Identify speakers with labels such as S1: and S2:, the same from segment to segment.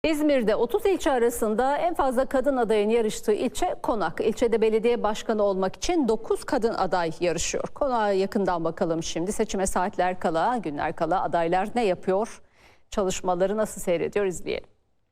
S1: İzmir'de 30 ilçe arasında en fazla kadın adayın yarıştığı ilçe Konak. İlçede belediye başkanı olmak için 9 kadın aday yarışıyor. Konak'a yakından bakalım şimdi. Seçime saatler kala, günler kala adaylar ne yapıyor? Çalışmaları nasıl seyrediyor izleyelim.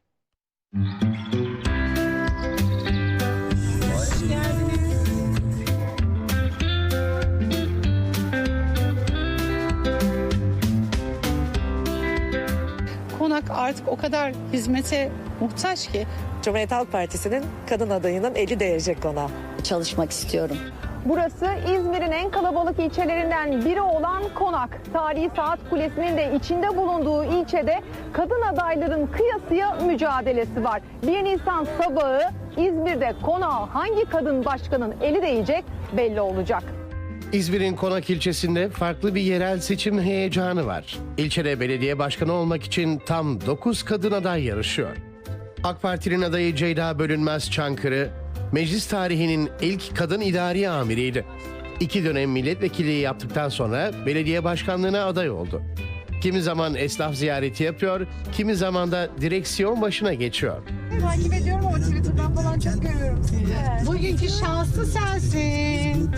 S2: Konak artık o kadar hizmete muhtaç ki.
S3: Cumhuriyet Halk Partisi'nin kadın adayının eli değecek Konak'a.
S4: Çalışmak istiyorum.
S5: Burası İzmir'in en kalabalık ilçelerinden biri olan Konak. Tarihi Saat Kulesi'nin de içinde bulunduğu ilçede kadın adayların kıyasıya mücadelesi var. 1 Nisan sabahı İzmir'de Konak'a hangi kadın başkanın eli değecek belli olacak.
S6: İzmir'in Konak ilçesinde farklı bir yerel seçim heyecanı var. İlçede belediye başkanı olmak için tam 9 kadın aday yarışıyor. AK Parti'nin adayı Ceyda Bölünmez Çankırı, meclis tarihinin ilk kadın idari amiriydi. 2 dönem milletvekilliği yaptıktan sonra belediye başkanlığına aday oldu. Kimi zaman esnaf ziyareti yapıyor, kimi zaman da direksiyon başına geçiyor.
S7: Takip ediyorum ama Twitter'dan falan çok görüyorum sizi.
S2: Bugünkü şanslı sensin.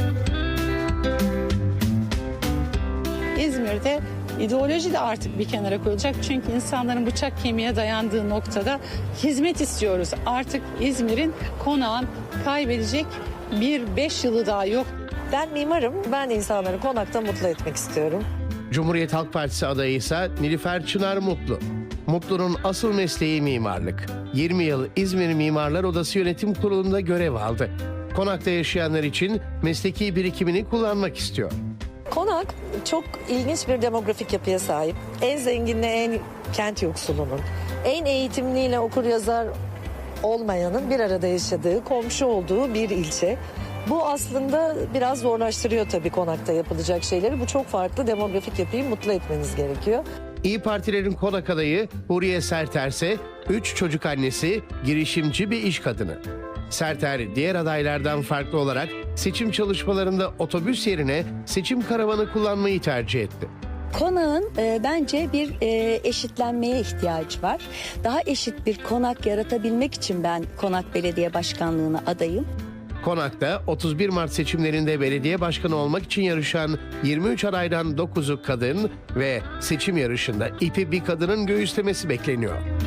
S2: İzmir'de ideoloji de artık bir kenara koyulacak. Çünkü insanların bıçak kemiğe dayandığı noktada hizmet istiyoruz. Artık İzmir'in, Konak'ın kaybedecek bir 5 yılı daha yok.
S3: Ben mimarım, ben insanları Konak'ta mutlu etmek istiyorum.
S6: Cumhuriyet Halk Partisi adayı ise Nilüfer Çınar Mutlu. Mutlu'nun asıl mesleği mimarlık. 20 yıl İzmir Mimarlar Odası Yönetim Kurulu'nda görev aldı. Konak'ta yaşayanlar için mesleki birikimini kullanmak istiyor.
S3: Konak çok ilginç bir demografik yapıya sahip. En zenginle en kent yoksulunun, en eğitimliyle okur yazar olmayanın bir arada yaşadığı, komşu olduğu bir ilçe. Bu aslında biraz zorlaştırıyor tabii Konak'ta yapılacak şeyleri. Bu çok farklı demografik yapıyı mutlu etmeniz gerekiyor.
S6: İyi Partilerin Konak adayı Huriye Serter ise 3 çocuk annesi, girişimci bir iş kadını. Serter diğer adaylardan farklı olarak seçim çalışmalarında otobüs yerine seçim karavanı kullanmayı tercih etti.
S4: Konak'ın bence bir eşitlenmeye ihtiyacı var. Daha eşit bir Konak yaratabilmek için ben Konak Belediye Başkanlığı'na adayım.
S6: Konak'ta 31 Mart seçimlerinde belediye başkanı olmak için yarışan 23 adaydan 9'u kadın ve seçim yarışında ipi bir kadının göğüslemesi bekleniyor.